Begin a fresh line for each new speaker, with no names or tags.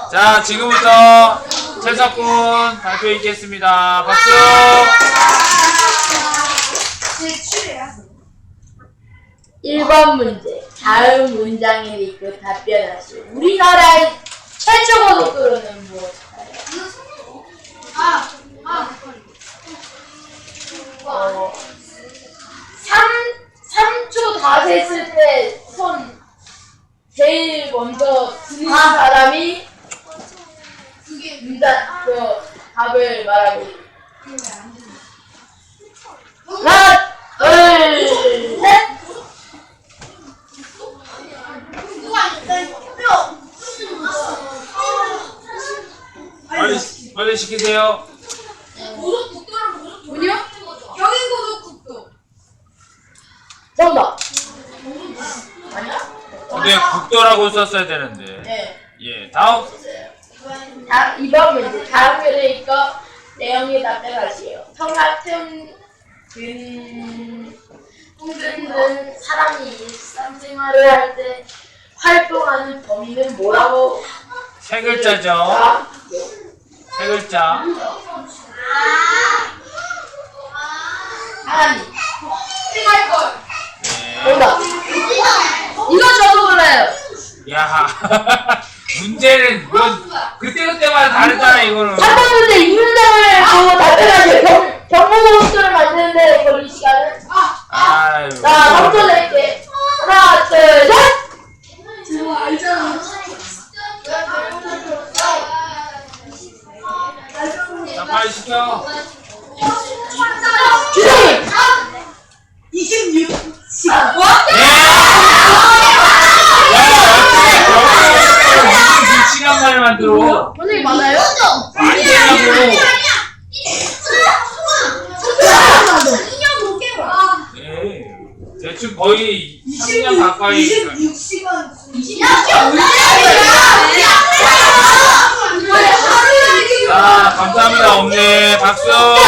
자, 지금부터 채석군 발표 있겠습니다. 박수!
1번 문제. 다음 문장을 읽고 답변하시오. 우리나라의 최초 고속도로는 무엇일까요? 3초 다 셌을 때 손 제일 먼저 드는 사람이 문장 답을 말하고 하나, 둘, 셋.
빨리 시키세요.
뭐냐? 정답. 아니야?
근데 국도라고 썼어야 되는데.
네.
예, 다음.
이번 문제. 다음 글을 읽고 내용에 답변하시오. 성 같은 든든 사람이 일상생활을 할 때 활동하는 범위는 뭐라고?
세 글자죠. 세 글자.
사람이.
예.
정답. 이거 저도 몰라요.
야, 문제는 이건 그때마다 다르잖아 이거는.
3번 문제 이 문장을 보고 답변하세요. 경고고속도를 만드는데 걸린 시간은?
아유.
자, 3초 낼게. 하나, 둘, 셋!
자, 빨리 시켜.
주장님!
26시간.
무슨 2시간 만에 만들어?
선생님 맞아요?
많이 되냐고. 예. 대충 거의 3년 가까이.
26시간.
자, 감사합니다. 없네. 박수.